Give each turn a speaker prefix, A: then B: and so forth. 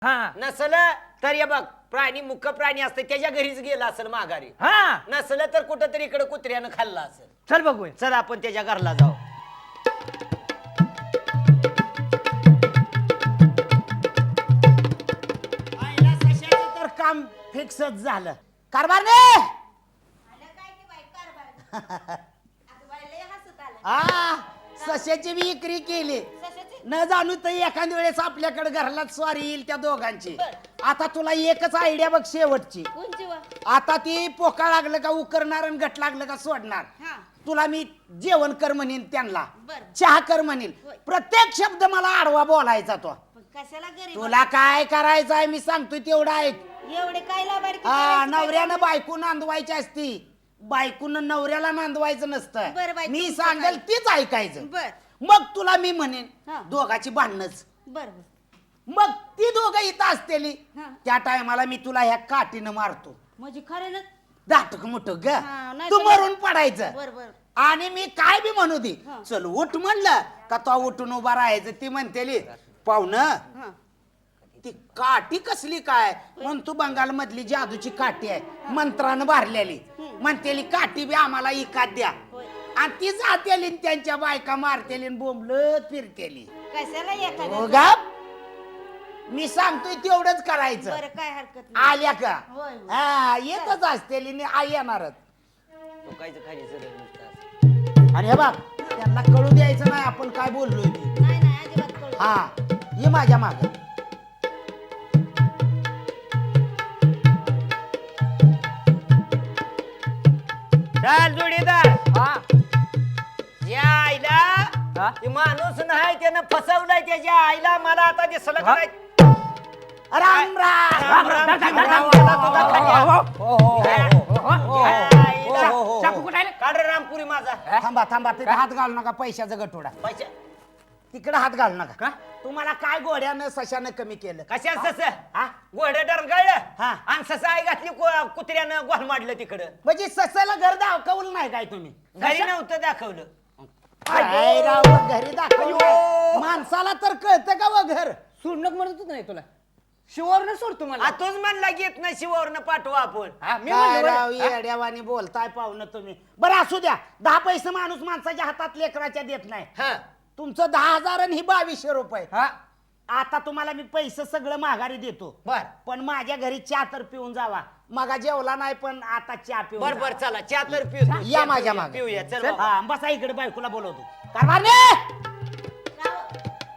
A: नसल तर हे बघ प्राणी मुख प्राणी असते त्याच्या घरीच गेला असेल माघारी. नसलं तर कुठं तरी इकडे कुत्र्यानं खाल्ला असेल.
B: चल बघूया.
A: चल आपण त्याच्या घरला जाऊ.
C: तर काम फिक्सच झालं. कारभार ने सश्याची बी विक्री केली. न जाणू तर एखाद्या वेळेस आपल्याकडे घरला स्वारी येईल त्या दोघांची. आता तुला एकच आयडिया बघ शेवटची. आता ती पोका लागलं का उकरणार आणि गट लागलं का सोडणार. तुला मी जेवण कर म्हणेन त्यांना चहा कर म्हणेन. प्रत्येक शब्द मला आडवा बोलायचा तो. तुला काय करायचं आहे मी सांगतोय तेवढं ऐक.
D: एवढे काय
C: नवऱ्यानं बायको नांदवायची असती. बायकोनं नवऱ्याला नांदवायचं नसतं. मी सांगेल तीच ऐकायचं. मग तुला मी म्हणेन दोघाची भांडणच. मग ती दोघं इथं असतेली त्या टायमाला मी तुला ह्या काठीनं मारतो.
D: म्हणजे खरं ना
C: दाटक मुठक ग तू मरून पडायचं. आणि मी काय बी म्हणू दे चल उठ म्हणलं का तो उठून उभा राहायचं. ती म्हणतेली पाहुणं ती काठी कसली काय म्हणून तू बंगाल मधली जादूची काठी आहे मंत्रानं भरलेली. म्हणतेली काठी बी आम्हाला इकात द्या. आणि ती जातेली त्यांच्या बायका मारतेली बोंबलत फिरतेली.
D: कशाला
C: मी सांगतोय तेवढंच करायचं.
D: काय हरकत
C: आल्या का हा येतच असतेली आई येणारच. आणि हे बघ त्यांना कळू द्यायचं नाही आपण काय बोललोय ते. हा ये माझ्या माग.
A: चल जोडीदार. या आईला माणूस नाही त्यानं फसवलाय त्याच्या आईला. मला आता दिसलं काय
C: राम राम
A: काढ रामपुरी माझा.
C: थांबा थांबा तिथे हात घालू नका. पैशाचा गठोडा
A: पैसे
C: तिकडे हात घालू नका. तुम्हाला काय गोड्यानं सशानं कमी केलं.
A: कशा सस घोडं डरगळलं
C: हा.
A: आणि सस आई घातली कुत्र्यानं गोल मांडलं तिकडं.
C: म्हणजे ससाला घर दाखवलं नाही काय तुम्ही.
A: घरी नव्हतं दाखवलं.
C: काय राव घरी दाखवलं. माणसाला तर कळतं का व घर.
B: सोडणं म्हणत नाही तुला शिवावरनं सोडतो मला.
A: तोच म्हणला घेत नाही शिवावरनं पाठवा आपण.
C: काय राव येड्यावानी बोलताय पाहुणं तुम्ही. बरं असू द्या 10 पैसे माणूस माणसाच्या हातात लेकराच्या देत नाही. तुमचं 10,000 आणि ही 2200 रुपये. आता तुम्हाला मी पैसे सगळं माघारी देतो.
A: बर
C: पण माझ्या घरी चहा तर पिऊन जावा. मगा जेवला नाही पण आता चहा पिऊन
A: बर बर चला चहा तर पिऊ.
C: या माझ्या मागे
A: पिऊया चल.
C: बसा इकडे बायकोला बोलवतो. कारभार